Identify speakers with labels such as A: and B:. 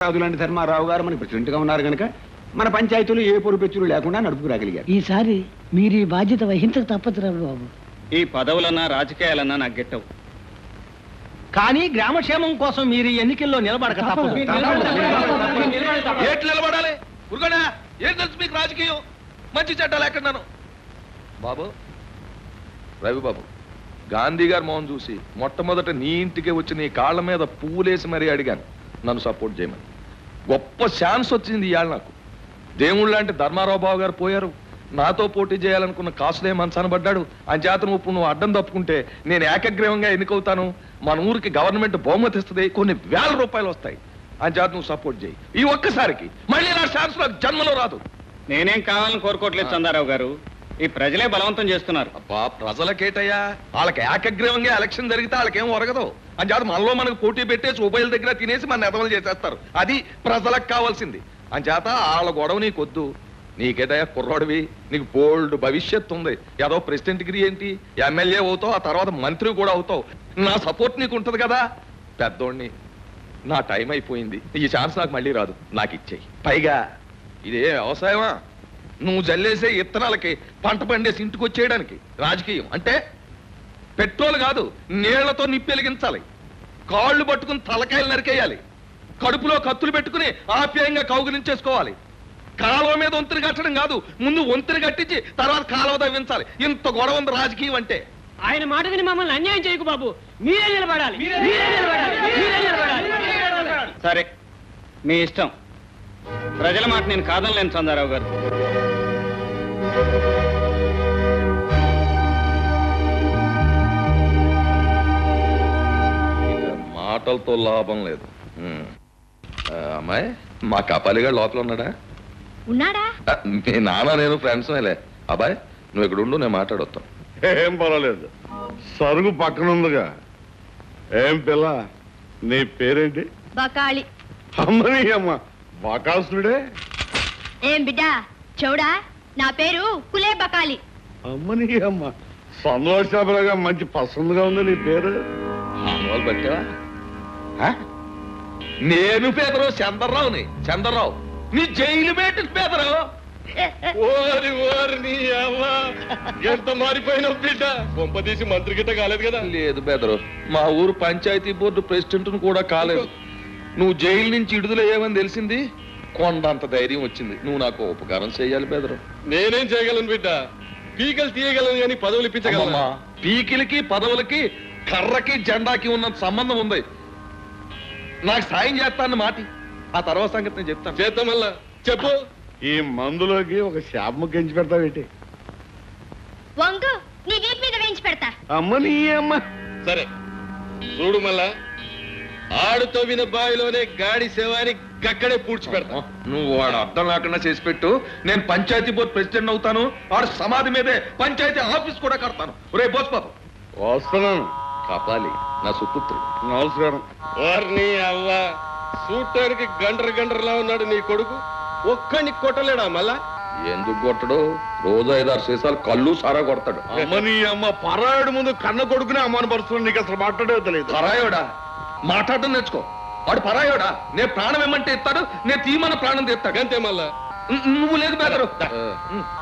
A: రాజు లాంటి ధర్మారావు గారు మన ప్రెసిడెంట్ గా ఉన్నారు కనుక మన పంచాయతీలు ఏ పొరుపెచ్చులు లేకుండా నడుపుకురాగలిగారు.
B: ఈసారి మీరు ఈ బాధ్యత వహించక తప్పదు రా బాబు.
C: ఈ పదవులన్నా రాజకీయాలన్నా నాకు గెట్టవు.
D: కానీ గ్రామక్షేమం కోసం మీరు ఈ ఎన్నికల్లో నిలబడక తప్పదు.
E: ఏట్లు నిలబడాలి ఉరుగనా? ఏం తెలుసు మీకు రాజకీయం? మంచి చెడ్డాలు ఎక్కడున్నాను బాబు. రవిబాబు, గాంధీ గారు మోహన్ చూసి మొట్టమొదట నీ ఇంటికి వచ్చి నీ కాళ్ళ మీద పువ్వులేసి మరీ అడిగాను నన్ను సపోర్ట్ చేయమని. గొప్ప ఛాన్స్ వచ్చింది ఇవాళ నాకు. దేవుళ్ళు లాంటి ధర్మారావు బాబు గారు పోయారు. నాతో పోటీ చేయాలనుకున్న కాసులే మనసనబడ్డాడు. అంచేతను ఇప్పుడు నువ్వు అడ్డం తప్పుకుంటే నేను ఏకగ్రీవంగా ఎన్నికవుతాను. మన ఊరికి గవర్నమెంట్ బహుమతి ఇస్తుంది, కొన్ని వేల రూపాయలు వస్తాయి. అంచేత నువ్వు సపోర్ట్ చేయి. ఈ ఒక్కసారికి మళ్ళీ నా ఛాన్స్ నాకు జన్మలో రాదు.
C: నేనేం కావాలని కోరుకోవట్లేదు చందారావు గారు, ఈ ప్రజలే బలవంతం చేస్తున్నారు.
E: అబ్బా, ప్రజలకేటయ్యా? వాళ్ళకి ఏకగ్రీవంగా ఎలక్షన్ జరిగితే వాళ్ళకేం ఒరగదు. అంచేత మనలో మనకు పోటీ పెట్టేసి ఉభయల దగ్గర తినేసి మన నెదవలు చేసేస్తారు. అది ప్రజలకు కావాల్సింది. అంచేత వాళ్ళ గొడవ నీకొద్దు. నీకేదయ్యా కుర్రాడివి, నీకు బోల్డ్ భవిష్యత్తు ఉంది. ఏదో ప్రెసిడెంట్ డిగ్రీ ఏంటి, ఎమ్మెల్యే అవుతావు, ఆ తర్వాత మంత్రి కూడా అవుతావు. నా సపోర్ట్ నీకు ఉంటది కదా. పెద్దోడిని, నా టైం అయిపోయింది. ఈ ఛాన్స్ నాకు మళ్ళీ రాదు. నాకు ఇచ్చేయి. పైగా ఇదే వ్యవసాయమా? నువ్వు జల్లేసే ఇత్తనాలకి పంట పండేసి ఇంటికి వచ్చేయడానికి రాజకీయం అంటే పెట్రోల్ కాదు, నీళ్లతో నిప్పెలిగించాలి. కాళ్ళు పట్టుకుని తలకాయలు నరికేయాలి. కడుపులో కత్తులు పెట్టుకుని ఆప్యాయంగా కౌగులించేసుకోవాలి. కాలువ మీద వంతుని కట్టడం కాదు, ముందు వంతుని కట్టించి తర్వాత కాలువ తవ్వించాలి. ఇంత గొడవ ఉంది రాజకీయం అంటే.
D: ఆయన మాట విని మమ్మల్ని అన్యాయం చేయకు బాబు. మీరే నిలబడాలి.
C: సరే, మీ ఇష్టం. ప్రజల మాట నేను కాదనలేను చందారావు గారు.
E: మాటలతో లాభం లేదు. అమ్మాయి, మా కపాలిగా లోపల ఉన్నాడా?
F: ఉన్నాడా?
E: మీ నాన్న నేను ఫ్రెండ్స్ మేలే. అబ్బాయి, నువ్వు ఇక్కడ ఉండు, నేను మాట్లాడొస్తాను.
G: ఏం పర్వాలేదు, సరుగు పక్కన ఉందిగా. ఏం పిల్ల, నీ పేరేంటి?
F: బకాళి.
G: అమ్మని అమ్మ, బకాసుడే.
F: ఏం బిడ్డా చౌడా, నా పేరు కులే బకాలి.
G: అమ్మని అమ్మ, సంతోషాపరగా మంచి పసందుగా ఉంది నీ పేరు.
E: ఆనవాళ్ళు పట్టావా? నేను పేదరు చంద్రరావుని. చంద్రరావు నీ జైలు పెట్టి పేదరు.
G: ఓరి ఓరి నీ అమ్మ, ఎంత మారిపోయినావు బిడ్డ. కొంపదీసి మంత్రి గిట్ట కాలేదు కదా?
E: లేదు పేదరు, మా ఊరు పంచాయతీ బోర్డు ప్రెసిడెంట్ కూడా కాలేదు. నువ్వు జైలు నుంచి విడుదలయ్యావని తెలిసింది, కొండంత ధైర్యం వచ్చింది. నువ్వు నాకు ఉపకారం చేయాలి పేదరు.
G: నేనేం చేయగలను బిడ్డ? పీకలు తీయగలను కానీ పదవులు ఇప్పించగలమా?
E: పీకిలకి పదవులకి కర్రకి జెండాకి ఉన్నంత సంబంధం ఉంది. నాకు సాయం చేస్తాను మాటి, ఆ తర్వాత సంగతి నేను చెప్తాను.
G: చేద్దాం మళ్ళా, చెప్పు. ఈ మందులోకి ఒక శాపము గెంచి పెడతావేంటి?
F: వంగు నీ వీపు మీద వేయించి పెడతా.
G: అమ్మ నీ అమ్మ. సరే చూడు, మళ్ళా ఆడుతో విన బావిలోనే గాడి సేవాని గక్కడే పూడ్చి పెడతా.
E: నువ్వు వాడు అర్థం లేకుండా చేసి పెట్టు. నేను పంచాయతీ బోర్డు ప్రెసిడెంట్ అవుతాను. వాడు సమాధి మీదే పంచాయతీ ఆఫీస్ కూడా కడతాను. రే బోస్ బాబు,
G: వస్తున్నాను.
E: కాపాలి నా సుపుత్రుడు.
G: నమస్కారం. వారిని అవ్వ, చూడటానికి గండ్రలా ఉన్నాడు నీ కొడుకు. ఒక్కడిని కొట్టలేడా మళ్ళా?
E: ఎందుకు కొట్టడు? రోజు 5-6 సీసాలు కళ్ళు సారా కొడతాడు.
G: అమ్మ నీ అమ్మ, పరాయుడు ముందు కన్న కొడుకునే అమ్మానపరుస్తున్నాడు. నీకు అసలు మాట్లాడే తెలియదు.
E: పరాయోడా? మాట్లాడటం నేర్చుకో. వాడు పరాయోడా? నేను ప్రాణం ఏమంటే ఇస్తాడు, నేను తీమన ప్రాణం తీస్తాడు.
G: అంతే మళ్ళా.
E: నువ్వు లేదు బెదరు.